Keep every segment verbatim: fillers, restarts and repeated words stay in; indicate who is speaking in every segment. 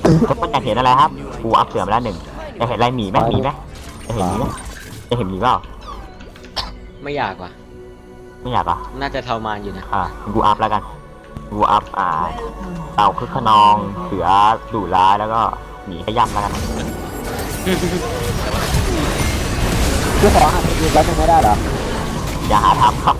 Speaker 1: ทุกคนอยากเห็นอะไรครับกูอัพเสือมาแล้วหนึ่งอยากเห็นอะไรหมีไหมหมีไหมอยากเห็นหมีไหมอยากเห็นหมีเปล่า
Speaker 2: ไม่อยากว่ะ
Speaker 1: ไม่อยากอ่ะ
Speaker 2: น่าจะทรมานอยู่นะ
Speaker 1: อ่ะกูอัพแล้วกันกูอัพอ่าเต่าคึกขนองเสือดุร้ายแล้วก็หมีขย้ำแล้วกัน
Speaker 3: คือขอหันอีกแล้วไม่ได้หรอ
Speaker 1: อย่าหาทำครับ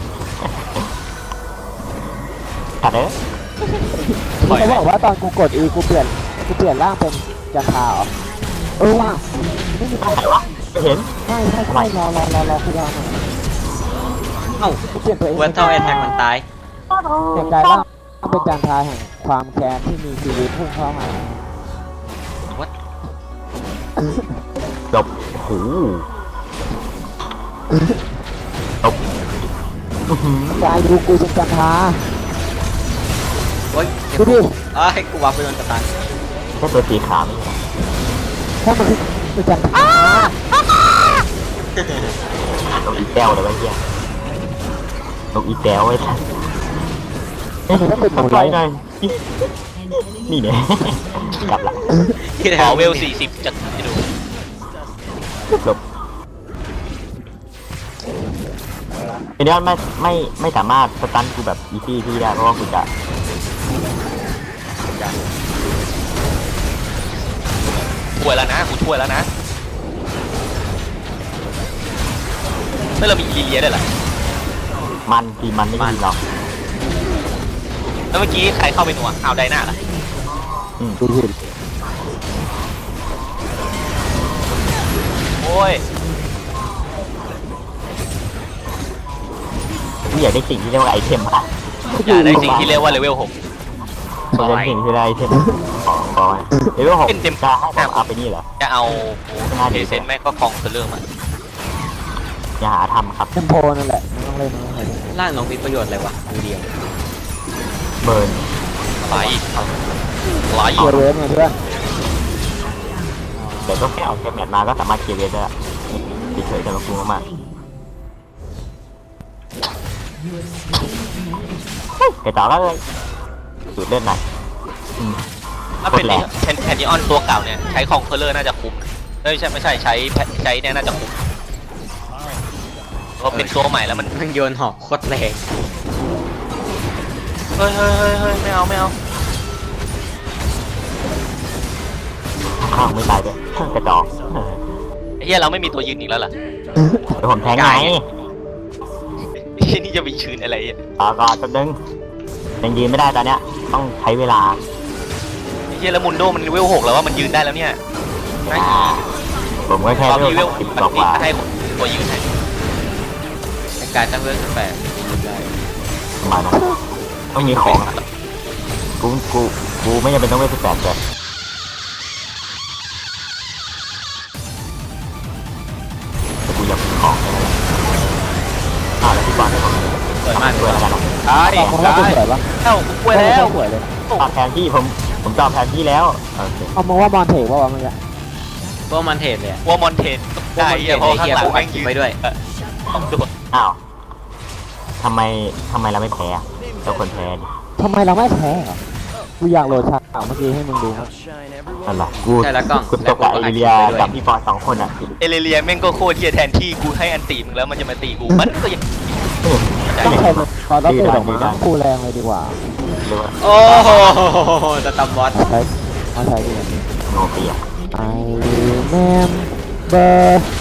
Speaker 1: ขัดเด้อ
Speaker 3: เขาบอกว่าตอนกูกด E กูเปลี่ยนกูเปลี่ยนร่างเป็นจันทราเหรอเออว่ะไม่มีใคร
Speaker 1: วะไม่เห็น
Speaker 3: ใช่ใช่ใช่รอรอรอรอคือรอ
Speaker 2: เอ้า
Speaker 3: เปลี่ยนตัวเอง
Speaker 2: เวนเท่าแอทแทกมันตาย
Speaker 3: เปลี่ยนกายร่างเป็นจันทราแห่งความแค้นที่มีชีวิตพุ่งเข้ามา
Speaker 2: วัด
Speaker 1: จบโอ้โหจบ
Speaker 3: กายดูกูเป็นจันทรา
Speaker 2: โอ้ย
Speaker 3: ดูดิ
Speaker 2: อ้าให้กูวับไปโดนกระตัน
Speaker 1: แค่ตัวสีขาวไม่ใช่
Speaker 3: ถ้ามันเป็นจันทรา
Speaker 1: ตกอีแก้วเลยว่าเหี้ยตกอีแก้วไอ้ท่านทำไรหน่อยนี่เนี่ยกลับละ
Speaker 4: ขอเวลสี่สิบจะให้ดู
Speaker 1: จบไอ้เนี่ยไม่ไม่ไม่สามารถสตันกูแบบอีซี่ที่ได้เพราะว่ากูจะ
Speaker 4: ช่วยแล้วนะกูช่วยแล้วนะไม่เรามีอีเลียได้หรอ
Speaker 1: มันทีมันไม่ดีหรอก
Speaker 4: แล้วเมื่อกี้ใครเข้าไปหนัวเอาไดหน้าล่ะ
Speaker 1: อืมดูดิ
Speaker 4: โอ้ย
Speaker 1: พี่อยากได้สิ่งที่เรียกว่าไอเทมอะ
Speaker 4: อยากได้สิ่งที่เรียกว่าเลเวลหก
Speaker 1: อยากได้สิ่งที่เรียกไอเทมของเลเวลหกเต็มจะให้ผมเอาไปนี่เหรอ
Speaker 4: จะเอาเดเซนแม่ก็คลองเรื่องมัน
Speaker 1: อย่าหาทำครับ
Speaker 3: เทมโพนั่นแหละไม่ต้องเล่นไม่ต้องเล่น
Speaker 2: ร่างน้องมีประโยชน์อะไรวะมือเดียว
Speaker 1: เบิร์น
Speaker 4: ไหลไหล
Speaker 3: เกียร์เวฟเนี่ยเพื่อน
Speaker 1: เดี๋ยวก็แค่เอาแคมแมทมาก็สามารถเกียร์เวฟได้เฉยๆจะมาคุ้มมากเดี๋ยวต่อก็เลยสูดเล่นหน่อย
Speaker 4: ถ้าเป็นแคนแคนนิออนตัวเก่าเนี่ยใช้คองเคอร์เลอร์น่าจะคุ้มไม่ใช่ไม่ใช่ใช้ใช้เนี่ยน่าจะคุ้มเพราะเป็นตัวใหม่แล้วมัน
Speaker 2: มันโยนหอกโคตรแรง
Speaker 4: เฮ้ยเฮ้ยเฮ้ยเฮ้ยไม่เอาไม่เอา
Speaker 1: ข้างไม่ตายด้วยกระจอก
Speaker 4: ไอ้เหี้ยเราไม่มีตัวยืนอีกแล้วเหรอ
Speaker 1: เดี๋ยวผมแทงไง
Speaker 4: ที่นี่จะไปชืนอะไรอ่ะ
Speaker 1: ต่อก่อนแป๊บนึงยังยืนไม่ได้ตอนเนี้ยต้องใช้เวลา
Speaker 4: ไอ้เหี้ยแล้วมุนโดมันเลเวลหกแล้วว่ามันยืนได้แล้วเนี่ย
Speaker 1: ผมก็แค่เลเวลสิบกว่า
Speaker 4: ให้ตัวยืนให้
Speaker 2: ในการตั้งเวลแปด
Speaker 1: มานะต้องมีของกูกูกูไม่จำเป็นต้องเวลสิบแปดเลยแต่กูอยากมีของแค่นั้นแหละอ่าแล้วพี่บอลได้ของ
Speaker 4: สวยมาก
Speaker 1: เลยแล้วกัน
Speaker 4: ได้ดิได้เอ้ากูป่วยแล้ว
Speaker 1: ตอบแทนที่ผมผมตอบแทนที่แล้ว
Speaker 3: เอามาว่าบอลเทว่าวะมันจะ
Speaker 2: ว่ามอนเทนเลย
Speaker 4: ว่ามอนเทนได้เพราะข้างหลังแม่งยืน
Speaker 2: ไปด้วย
Speaker 1: อ้าวทำไมทำไมเราไม่แพ้เจ้าคนแพ้ดิ
Speaker 3: ทำไมเราไม่แพ้เหรอกูอยากโหลดฉากเมื่อกี้ให้มึงดู
Speaker 1: อะไรกูกูตกกับเอเลียกับพี่ฟอร์สองคนอ่ะ
Speaker 4: เอเลียแม่งก็โคตรเทียแทนที่กูให้อันตีมึงแล้วมันจะมาตีกูมันก็ยัง
Speaker 3: ต้องใช้ตอนรับตัวของมันคู่แรงเลยดีกว่า
Speaker 2: โอ้โหจะตำบอส
Speaker 3: ใช้มาใช้ดี
Speaker 1: โนเปีย
Speaker 3: I remember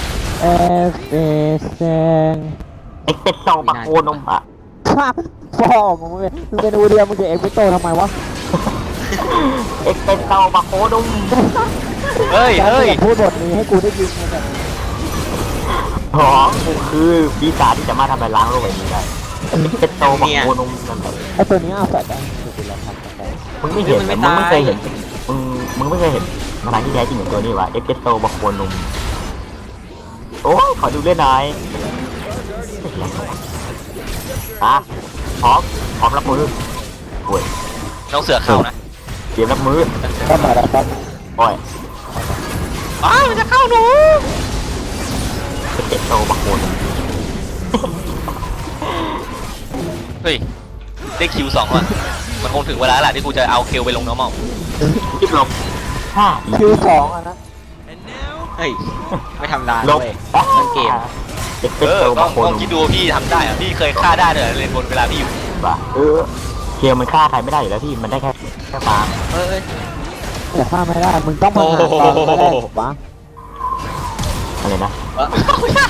Speaker 3: everything
Speaker 1: เอ็กเปโตปะโคนมอะ
Speaker 3: ฟอมึงเป็นมึงเป็นอูเดียมึงจะเอ็กเปโตทำไมวะ
Speaker 1: เอ็กเปโตปะโคนม
Speaker 4: เฮ้ยเฮ้ย
Speaker 3: พูดบทนี้ให้กูได้ยินมาแบบ
Speaker 1: หอมกูคือปีศาจที่จะมาทำลายล้างโลกใบนี้ได้เอ็กเปโตปะโคนมนั่นแหละ
Speaker 3: ไอตัวนี้เอาแฟลชได้
Speaker 1: มึงไม่เห็นมึงไม่เคยเห็นมึงมึงไม่เคยเห็นมาทางที่แท้จริงของตัวนี้วะเอ็กเปโตปะโคนมโอ้ขอดูเล่นหน่อยอ่ะพร้อมพร้อมรับมือโอ้ย
Speaker 4: น้องเสือเข้านะ
Speaker 1: เตรียมรับมือ
Speaker 3: ก็มาแล้วครับ
Speaker 1: โอ้ย
Speaker 4: อ้าวมันจะเข้าหนู
Speaker 1: เจ็บโตบักโคน
Speaker 4: เฮ้ยได้คิวสองว่ะมันคงถึงเวลาแหละที่กูจะเอาคิวไปลงน้ำเมา
Speaker 1: รีบลงห้า
Speaker 3: คิวสองอ่ะนะ
Speaker 2: เฮ้ยไม่ทำลาย
Speaker 1: ลบ
Speaker 2: เว้ยเล่นเกม
Speaker 1: เอ็ก
Speaker 4: เอ
Speaker 1: เซ
Speaker 4: อ
Speaker 1: โต
Speaker 4: ก็
Speaker 1: บาโค
Speaker 4: ล
Speaker 1: น
Speaker 4: องคิดดูพี่ทำได้อะพี่เคยฆ่าได้เลยเลนบนเวลาพี่อยู่
Speaker 1: ว่ะเออเกียร์มันฆ่าใครไม่ได้อยู่แล้วพี่มันได้แค่แค่ฟาง
Speaker 2: เอ้ย
Speaker 3: แต่ฆ่าไม่ได้มึงต้องมาหาตอนไม่ได้ปะ
Speaker 1: อะไรนะ
Speaker 2: เอ้ย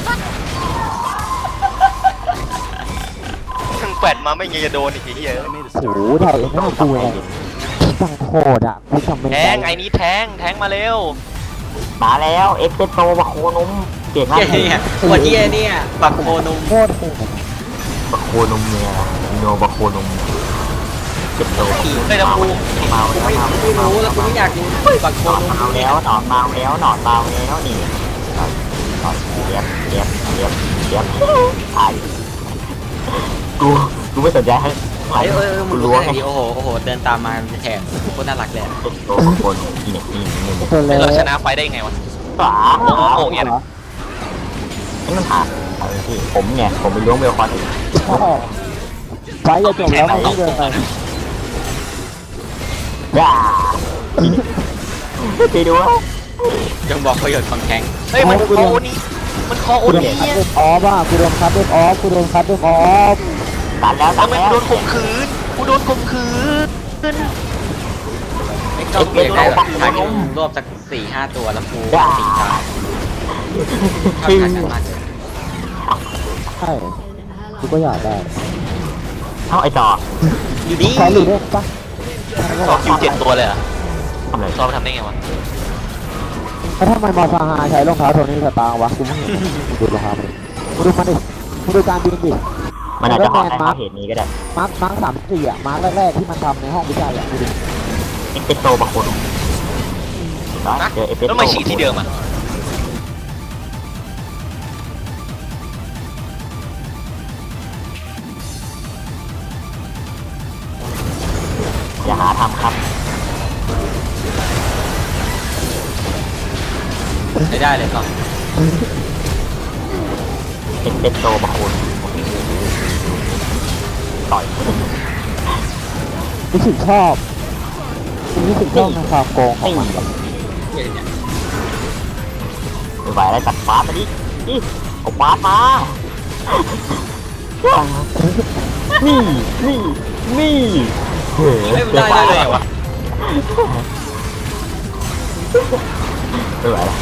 Speaker 4: ทั้งแปดมาไม่ยังจะโดนอีกทีเหี้ย
Speaker 3: โอ้โหได้เองไม่กูเลยสั่งโคตรอ่ะกูทำไม่
Speaker 4: แท
Speaker 3: ได้
Speaker 4: งไอ้นี้แทงแทงมาเร็ว
Speaker 1: มาแล้วเอ็กเซโตบาโคนมเก่งมาก
Speaker 2: เหี้ยเนี่ยตัวเหี้ยเนี่ยปักโคนุม
Speaker 3: โคตรโหด
Speaker 1: บาโคนมเนี่ยโนบาโคนมเจ็บโต
Speaker 4: เฮ้ยน้ำมู
Speaker 1: เมา
Speaker 2: กู
Speaker 1: แล้ว
Speaker 2: ไม่
Speaker 1: เมา
Speaker 2: ไม่รู้แล้วกูไม่อยากกินปักโค
Speaker 1: หนอน
Speaker 2: นุม
Speaker 1: เมาแล้วหนอนเมาแล้วหนอนเมาแล้วนี่หนอนหนอนเลี้ยบเลี้ยบเลี้ยบเลี้ยบตายกูกูไม่สนใจให้
Speaker 2: เอ้ยเอ้ยเอ้ยมึ
Speaker 1: กู
Speaker 2: งรู้
Speaker 1: รู้
Speaker 2: แค่
Speaker 1: ว่า
Speaker 2: ไหนดิโอ้โหโอ้โหเดินตามมาแถบโคตรน่ารักเลย
Speaker 1: เจ็บโตบาโคนมนี่เนี่ยนี่นี่นี่
Speaker 3: ตัวเล็ก
Speaker 4: เราชนะไฟได้ยังไงวะ
Speaker 1: ฝา
Speaker 4: โอ้โหเนี่ยนะ
Speaker 1: นี่มันผ่านเออพี่ผมไงผมไปล้วงเบลคอนอีก
Speaker 3: ไฟจะจบแล้วไม่เดินไป
Speaker 1: ย่าไปดูว่า
Speaker 2: ยังบอกประโยชน์ของแข็ง
Speaker 4: เฮ้ยมันคอโอนี้มันคอโอ
Speaker 3: กูโดน
Speaker 4: นี้
Speaker 3: คัดเล่นออฟอ่ะกูโดนคัดเล่นออฟกูโดนคัดเล่นออฟ
Speaker 1: ตัดแล้วตั
Speaker 4: ทำ
Speaker 1: ด
Speaker 4: ไม
Speaker 1: แล้ว
Speaker 4: กูโดนข่มขืนกูโดนข่มขืน
Speaker 2: ไม่ต้องเปลี่ยนได้หรอกทางนี้รวบสักสี่ห้าตัวแล้วกูตีตายชอบทางนั้นมากเลย
Speaker 3: ใช่กูก็อยากได้
Speaker 1: เอ้าไอ้จอ
Speaker 2: อยู่นี่
Speaker 3: ใช้หรือได้ปะ
Speaker 4: ซอคิวเจ็ดตัวเลยเหรอะ
Speaker 1: ทำอะไร
Speaker 4: ซอมทำได้ไงวะ
Speaker 3: แล้วทำไมมอซาฮาใช้รองเท้าโทนี่สตาร์วะกูไม่เห็นดูรองเท้าดิกูดูมันดิกูดูการบินดิ
Speaker 1: มันอาจจะหอดได้เพราะเหตุนี้ก็ได้
Speaker 3: มาร์คมาร์คสามสี่อ่ะมาร์คแรกๆที่มันทำในห้องวิจัยอ่ะดูดิ
Speaker 1: เอ็กเซโตบาโคนมเจอเอฟเอส
Speaker 4: แล้วทำไมฉีกที่เดิมอ่ะ
Speaker 1: อย่าหาทำครับ
Speaker 2: ใช้ได้เลยก่อน
Speaker 1: เอ็กเซโตบาโคนต่อย
Speaker 3: รู้สึกชอบรู้สึกชอบในความโกงของมัน
Speaker 1: ไม่ไหวแล้วจัดฟาสมาดินี่เอาฟาสมา นี่ นี่ นี่เฮ้ย
Speaker 2: ไม่ได้ได้เลยวะ
Speaker 1: ไม่ไหวแล้ว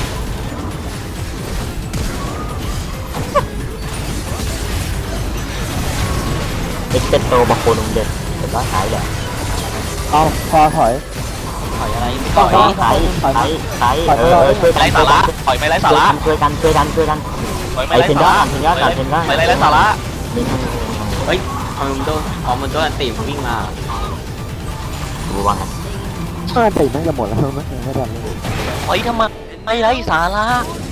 Speaker 1: เอ็กเซโตบาโคนมเด็ดเห็นว่าหายแล้ว
Speaker 3: เอาพอถอย
Speaker 2: ถอยอะไรไม่
Speaker 3: ต่
Speaker 2: ต่
Speaker 3: อ
Speaker 2: อย
Speaker 1: ใช้ใช้ใช้เออช่วยกัน
Speaker 4: ไร้สาระปล่อยไม่ไร้สาระ
Speaker 1: ช่วยกันช่วยกันช่วยกัน
Speaker 4: ปล่อยไม่ไร้สาระ
Speaker 1: ไอ้เทนยอดก่อนเทนยอดก่อน
Speaker 4: ไม่ไร้สาระ
Speaker 1: นี่
Speaker 2: เฮ้ยเอามันโดนเอามันโดนอันตีมวิ่งมา
Speaker 1: ดูว่าไง
Speaker 3: เมื่อตีมันจะหมดแล้วไม่ไม่ทันเลย
Speaker 4: ปล่อยทำไมไม่ไร้สาระ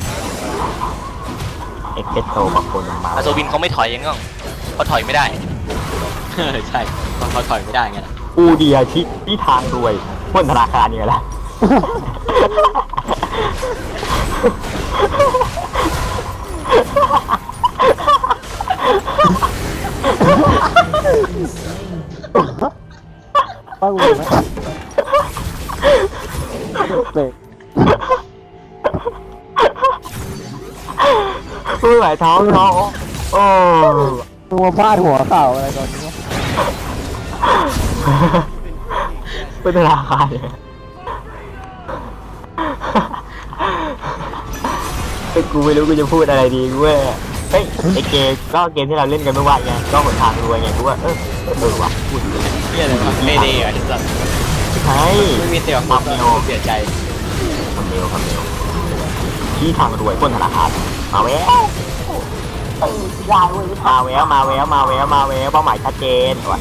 Speaker 1: เอ็กเซโตบาโคนมมา
Speaker 4: อาโซวินเขาไม่ถอยยังไงเขาถอยไม่ได้
Speaker 2: ใช่เขาเขาถอยไม่ได้ไงล่ะ
Speaker 1: อูเดียที่ที่ทางรวยพ้นธนาคารเนี่ยแหละ
Speaker 3: ป้ากูเห็นไหมเบรก
Speaker 1: ไม่ไหวท้องท้องโอ้
Speaker 3: ตัวฟาดหัวเข่าอะไรตอนนี้
Speaker 1: เป็นธนาคารเนี่ยเฮ้ยกูไม่รู้กูจะพูดอะไรดีกูว่าเฮ้ยไอเกมก็เกมที่เราเล่นกันเมื่อวานไงก็หนทางรวยไงกูว่าเออเออว่ะพูดดี
Speaker 2: เฮียอะไรวะไม่ดีอ่ะที่สุด
Speaker 1: ใช่
Speaker 2: ไม่มีเตี่ยว
Speaker 1: ความเร็ว
Speaker 2: เสียใจ
Speaker 1: ความเร็วความเร็วที่ทางรวยพ้นธนาคารมาแววมาแววมาแววมาแววมาแววเป้าหมายชัดเจนว่ะ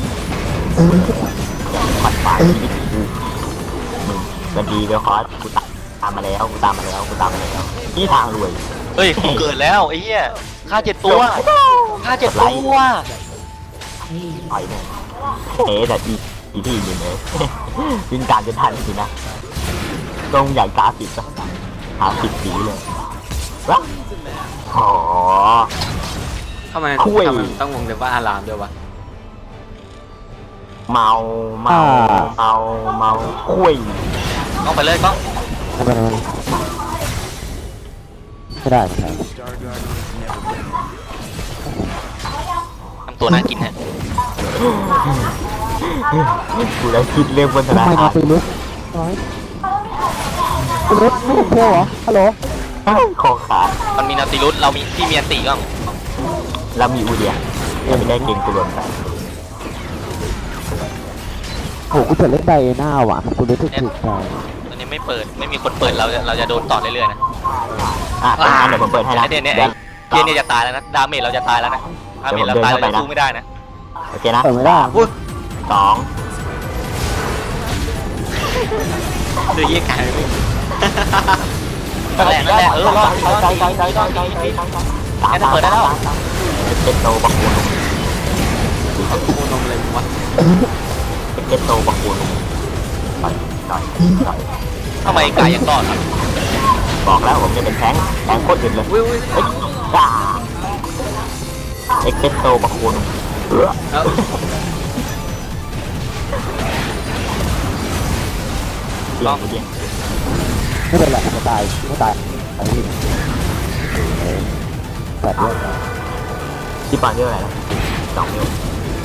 Speaker 1: ปัดฝ่ายชีวิตกูมึงกันดีเวลคอสกูตามมาแล้วกูตามมาแล้วกูตามมาแล้วที่ทางรวย
Speaker 4: เฮ้ยกูเกิดแล้วไอ้เหี้ยฆ่าเจ็ดตัวฆ่าเจ็ดตัว
Speaker 1: ต่อยเนี่ยเอ๊ะแต่อีอีที่อยู่เนี่ยยิงการจะทันสินะตรงใหญ่กราฟิกอะหาสิบสีเลยวะอ๋อ
Speaker 2: ทำไม
Speaker 1: คุย
Speaker 2: ทำไมต้องวงเล็บว่าอารามด้วยวะ
Speaker 1: เมาเมาเมาเมาคุย
Speaker 4: ต้องไปเลยกล้อง
Speaker 3: ไม่เป็นไรไม่ได้ไม่ได้
Speaker 4: ทำตัวน่ากินฮะ
Speaker 1: กูแล้วคิดเรื่องบนธ
Speaker 3: ทำ
Speaker 1: นา
Speaker 3: ไม
Speaker 1: คา
Speaker 3: มาร ตีลุกน้อยตีลุกไม่เห็นเที่ยวเหรอฮัลโหล
Speaker 1: คอขาด
Speaker 4: มันมีนาติรุสเรามีที่มีอันติก็
Speaker 1: แล้วมีอูเดียยังไม่ได้เก่งกูรวมไป
Speaker 3: โหกูเปิดเล่นไดหน้าว่ะกูรู้สึกถูกใจ
Speaker 4: ตอนนี้ไม่เปิดไม่มีคนเปิดเราจะเราจะโดนต่อเรื่อยๆนะ
Speaker 1: อ่ะเป็นงั้นเดี๋ยวผมเปิดให้นะ
Speaker 4: เนี่ยเนี่ย
Speaker 1: เดี๋
Speaker 4: ไอ้
Speaker 1: ยว
Speaker 4: เกียร์เนี่ยจะตายแล้วนะดาเมจเราจะตายแล้วนะดาเมจเราตายเราจะสู้ไม่ได้นะ
Speaker 1: โอเคนะ
Speaker 3: เปิดไม่ได้
Speaker 2: อุ้ย
Speaker 1: สอง
Speaker 2: ดูยี่กายไม่
Speaker 4: นั่นแหละนั่นแหละเออรอดรอด
Speaker 1: ใจ
Speaker 4: รอด
Speaker 1: ใจใจ
Speaker 4: รอด
Speaker 1: ใจ
Speaker 4: รอด
Speaker 1: ใจใจ
Speaker 4: แค่เปิดได้แล้ว
Speaker 1: เป็นโตบักคูน
Speaker 2: โคนมเลยมึงวะ
Speaker 1: เป็นโตบักคูนต่อยต่อยต่อย
Speaker 4: ทำไมกายยังรอดครับ
Speaker 1: บอกแล้วผมจะเป็นแทงแทงโคตรอึดเลย
Speaker 2: อุ้ยอุ้ย
Speaker 1: เฮ้ยจ้าเอ็กเซโตบักคูนเออ
Speaker 2: เอ้า
Speaker 1: ลองดูดิ
Speaker 3: ไม่เป็นไรไม่ตายไม่ตายไอ้นี่แบบนี้
Speaker 1: ที่ปอนเรียกอะไรนะสองนิ้ว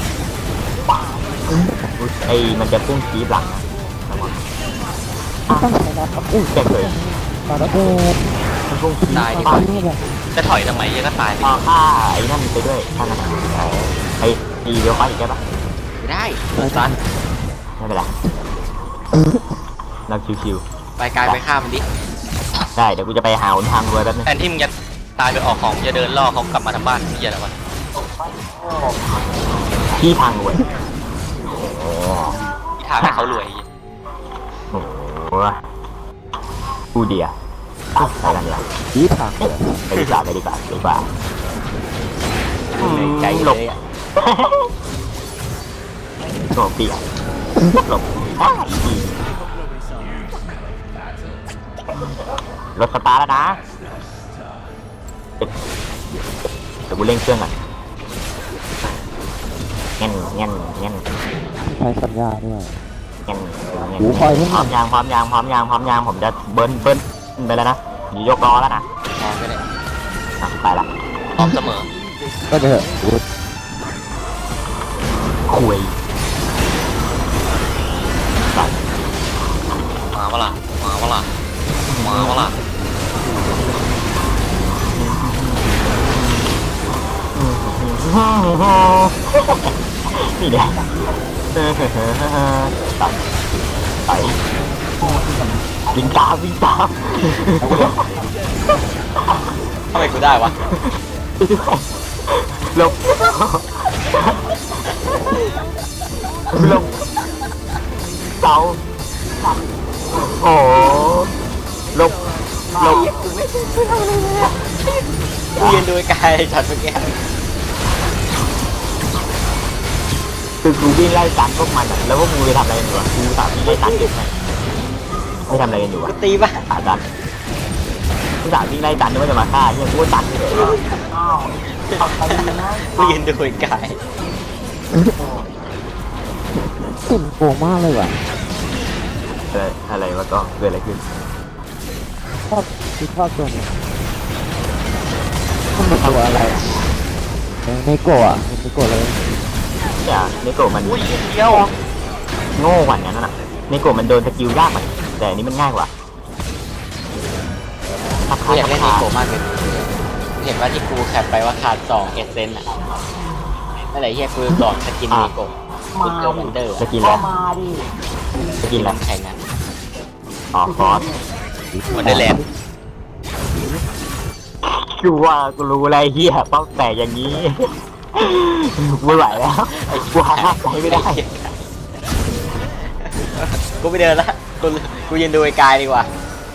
Speaker 1: ไอ้มันจะพุ่งคีบหลังนะระวัง
Speaker 3: ต้องใช้น้ำกับอุ้ย
Speaker 1: แจ็คเลย
Speaker 3: มาแล้วเออ
Speaker 1: มันพุ่งคีบ
Speaker 2: ตายดิ
Speaker 1: ปอน
Speaker 3: นี่แบบ
Speaker 4: จะถอยทำไมยังก็ตาย
Speaker 1: พอฆ่าไอ้นั่นไปด้วยฆ่ามันไอ้ตีเดียวค่อยอีกได้ปะ
Speaker 2: ไม่ได้เปิดซัน
Speaker 1: ไม่เป็นไรเราชิว
Speaker 2: ไปกายไปฆ่ามันดิ
Speaker 1: ๆได้เดี๋ยวกูจะไปหาหนทางรวยแป๊บนึง
Speaker 4: แทนที่มึงจะตายไปออกของจะเดินล่อเขากลับมาทางบ้านเฮียอะไรวะ
Speaker 1: ที่ทางรวยโอ้
Speaker 4: ที่ทางให้เขารวย
Speaker 1: โหกูเดียไปกันเลย
Speaker 3: ดีทางเลย
Speaker 1: ไปดีกว่าไปดีกว่าไปดีกว่า
Speaker 2: ใจ
Speaker 1: หล
Speaker 2: เล
Speaker 1: บ
Speaker 2: ยอ่ะ
Speaker 1: โง่เปียกหลบอ้าวอีรถสตาร์ทแล้วนะเดี๋ยวกูเร่งเครื่องก่อนเงี้ยเงี้ยเงี้ย
Speaker 3: ใช้สัญญาด้วย
Speaker 1: เงี้ยเงี้
Speaker 3: หูคอยให้
Speaker 1: พร้อมยางพร้อมยางพร้อมยางพร้อมยางผมจะเบิ้ลเบิ้ลไปแล้วนะอยู่ยกล้อแล้วนะ
Speaker 2: มองก็ได้
Speaker 1: อ่ะไปละ
Speaker 4: พร้อมเสมอ
Speaker 3: ก็เถอะกู
Speaker 1: คุยไป
Speaker 4: มาวะล่ะมาวะล่ะมาวะล่ะ
Speaker 1: นี่เนี่ยต่อยต่อยวิ่งตามวิ่งตาม
Speaker 2: ทำไมกูได้วะ
Speaker 1: หลบหลบเสาโอ้หลบหลบ
Speaker 2: กูยืนดูไอ้กายช็อตเมื่อกี้
Speaker 1: คือกูวิ่งไล่ตันพวกมันอะแล้วพวกมึงไปทำอะไรกันอยู่วะกูสามวิ่งไล่ตันเก็บไปไม่ทำอะไรกันอยู่วะ
Speaker 2: กูตีป่ะ
Speaker 1: ขาดันกูสามวิ่งไล่ตันนึกว่าจะมาฆ่าเนี่ยกูก็ตันเลย
Speaker 2: กูยืนดูไอ้กาย
Speaker 3: กลิ่นโกมากเลยว่ะ
Speaker 1: เอออะไรวะก็เกิดอะไรขึ้น
Speaker 3: ชอบคือชอบตัวนี้มันเป็นตัวอะไรอะเออในโกะอ่ะมันในโกะเลย
Speaker 1: เนี่ยเนโกะมัน
Speaker 4: อุ้ยเดียว
Speaker 1: โง่กว่านั้นน่ะเนโกะมันโดนสกิลยากกว่าแต่อันนี้มันง่ายกว่า
Speaker 2: กูอยากเล่นนีโกะมากเลยเห็นว่าที่กูแคปไปว่าขาดสองเอเซนอะนั่นแหละเฮียกูหลอดสกินนีโกะกูเจอวันเดอร์
Speaker 1: สกิลแล้วสกิลแล้ว
Speaker 2: น้ำแข็งอะ
Speaker 1: อ๋อฟอส
Speaker 4: วันเดอร์แลนด์
Speaker 1: กูว่ากูรู้อะไรเฮียป้องแต่อย่างนี้ไม่ไหวแล้วกูหาใจไม่ได้
Speaker 2: กูไปเดินละกูกูยืนดูไอ้กายดีกว่า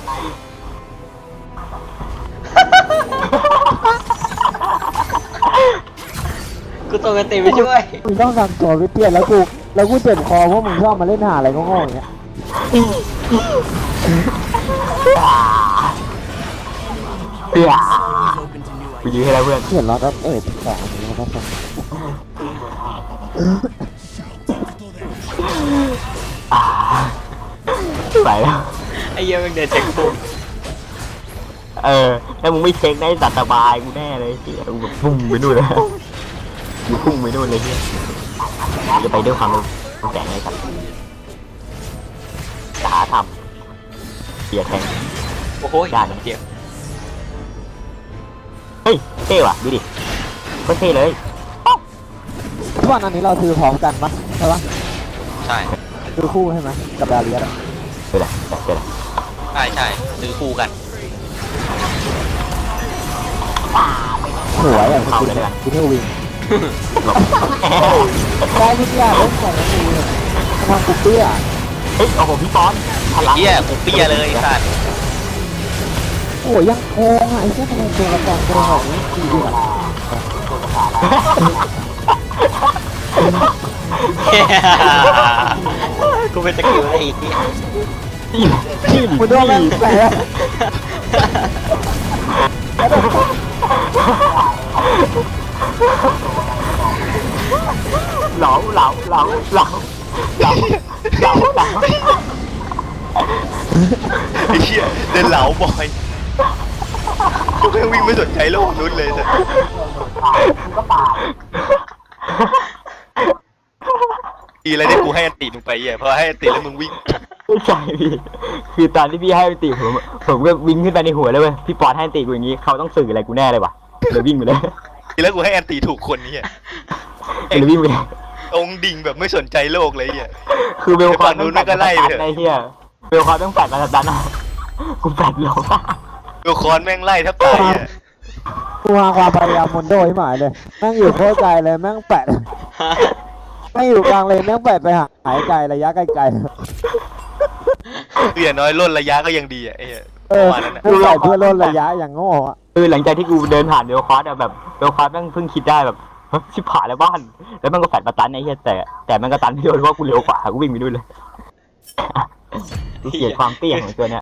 Speaker 2: กูตัวกันตีไปช่วย
Speaker 3: มึงต้องทำตัวไม่เปลี่ยนแล้วกูแล้วกูเจ็บคอเพราะมึงชอบมาเล่นหาอะไรก็โง่อย่างเงี้ย
Speaker 1: เพื่อกูยื้อให้แล้วเพื่อน
Speaker 3: เปลี่ยนล้อแล้วเออติดสองอันนี้แล้วก็ส่ง
Speaker 1: อ่าไปแล้ว
Speaker 2: ไอ้เหี้ยมึงเดินจากกู
Speaker 1: เออแล้วมึงไม่เช็คได้สัตว์สบายกูแน่เลยเฮียกูแบบพุ่งไปนู่นเลยกูพุ่งไปนู่นเลยเฮียจะไปด้วยความเร็วแสงเลยครับจะหาทำเสียแทง
Speaker 2: โอ้โห
Speaker 1: ได้นะ
Speaker 2: เจ็บ
Speaker 1: เฮ้ยเท่ว่ะดูดิก็เท่เลย
Speaker 3: ทุกวันอันนี้เราซื้อพร้อมกันปะใช่ปะ
Speaker 4: ใช่
Speaker 3: ซื้อคู่ใช่ไหมกับดาเลียสอะ
Speaker 1: เจอละเจอละ
Speaker 4: ใช่ใช่ซื้อคู่กัน
Speaker 3: สวยอ่ะคุณคุณเทวิง
Speaker 1: หลบ
Speaker 3: ได้ทุกอย่างเล่นของกูเลยทำกูเปี้ย
Speaker 1: เฮ้ยโอ้โหพี่ป้อนพลัง
Speaker 4: เหี้ยกูเปี้ยเลยไอ้สัตว์
Speaker 3: โอ้ยยังโกงอ่ะไอ้เจ้าทำไมโกงกระจองโกงแบบนี้ดีอ่ะ
Speaker 2: กูเป็นสกิลไอ้เหี้ย
Speaker 1: นี่นี่
Speaker 3: มึงโดนแม่งแผล
Speaker 1: เหลาเหลาเหลาเหลาเหลาเหลาเหลา
Speaker 4: ไอ้เหี้ยเดินเหลาบ่อยกูแค่วิ่งไม่สนใจโลกนู้นเลยแต่ ดีอะไรที่กูให้อันติมึงไปเหี้ยเพราะให้อันติแล้วมึงวิ่ง
Speaker 1: ไม่ใช่พี่คือตอนที่พี่ให้ตีผมผมก็วิ่งขึ้นไปในหัวเลยเว้ยพี่ปอนให้ตีกูอย่างงี้เขาต้องสื่ออะไรกูแน่เลยว่ะเลยวิ่งไปเลย
Speaker 4: ดีแล้วกูให้อันติถูกคนเนี่ย
Speaker 1: เลยวิ่งไปเลย
Speaker 4: องค์ดิ่งแบบไม่สนใจโลกเลยเหี้ย
Speaker 1: คือเบลคอน
Speaker 4: นู้นก็ไล่ไปเถอะ
Speaker 1: ไอ้เหี้ยเบลคอนต้องแปดมาดันอ่ะกูแปดลง
Speaker 4: ดูคอนแม่งไล่แทบตายอ่ะ
Speaker 3: กูหาความพยายามมนโดให้หมายเลยแม่งอยู่โคตรไกลเลยแม่งแปะแม่งอยู่กลางเลยแม่งแปะไปหาหายไกลระยะไกล
Speaker 4: คืออย่างน้อยล่นระยะก็ยังดีอ่ะไอ้เหี้ย
Speaker 3: ๆเออ
Speaker 4: ประมาณนั้นอ่ะ
Speaker 3: แม่งใส่เพื่อลดระยะอย่างโง่อะ
Speaker 1: คือหลังจากที่กูเดินผ่านเบลคอนอะแบบเบลคอนแม่งเพิ่งคิดได้แบบเฮ้ยชิบหายแล้วบ้านแล้วมันก็แฟดมาตันไอ้เหี้ยแต่แต่มันก็ตันพี่โดนเพราะกูเร็วกว่ากูวิ่งไปด้วยเลยกูเกลียดความเตี้ยของตัวเนี้ย